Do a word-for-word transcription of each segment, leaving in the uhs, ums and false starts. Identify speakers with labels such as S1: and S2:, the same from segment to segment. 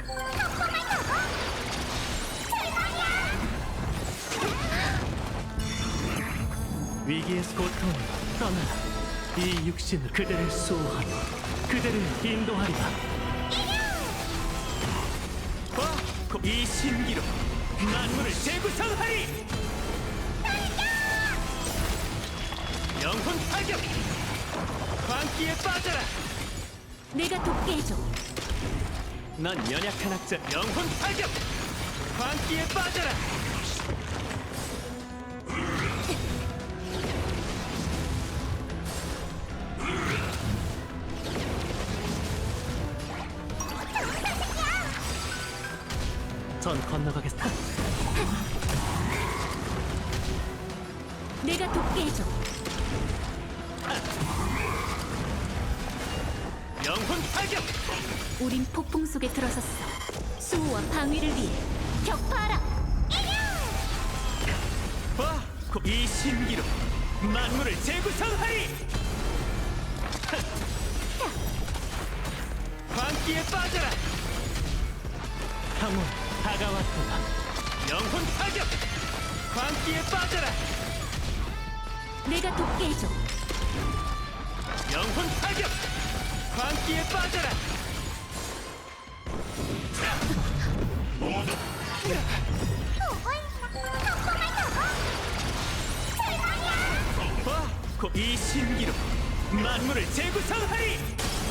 S1: 위기에서 고통을 떠나라. 이 육신으로 그대를 수호하며 그대를 인도하리라. 와! 이 신기로 만물을 재구성하리! 영혼 타격! 광기에 빠져라!
S2: 내가 돕게 해줘.
S1: 넌 연약한 학자. 영혼 타격! 광기에 빠져라! 전 건너가겠다.
S2: 내가 돕게 해줘.
S1: 영혼 타격!
S2: 우린 폭풍 속에 들어섰어. 수호와 방위를 위해 격파하라.
S1: 와! 이 신기로 만물을 재구성하리! 광기에 빠져라! 항원 다가왔구나. 영혼 타격! 광기에 빠져라!
S2: 내가 돕게 해줘.
S1: 영혼 타격! 광기에 빠져라! 와! 이 신기로 만물을 재구성하리!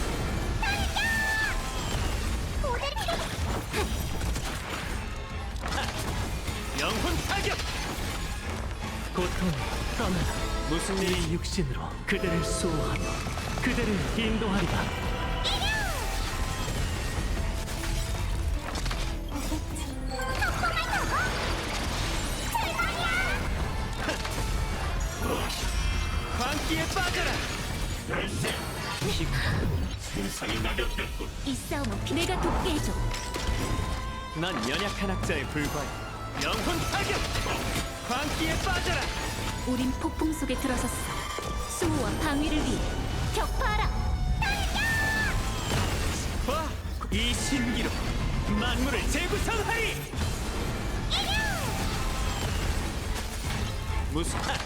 S1: 영혼 타격! 고통을 떠나라. 무슨 이 육신으로 그대를 수호하며 그대를 인도하리라. 광기에 빠져라!
S2: 이 싸움은 피- 내가 돕게 해줘.
S1: 난 연약한 학자에 불과해. 영혼 타격! 광기에 빠져라!
S2: 우린 폭풍 속에 들어섰어. 수호와 방위를 위해 격파하라.
S1: 와! 이 신기로 만물을 재구성하리! 무슨 하!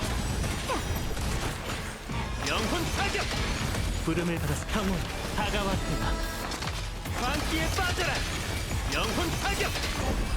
S1: 영혼 타격! 부름을 받아서 강원 다가왔구나. 광기에 빠져라! 영혼 타격!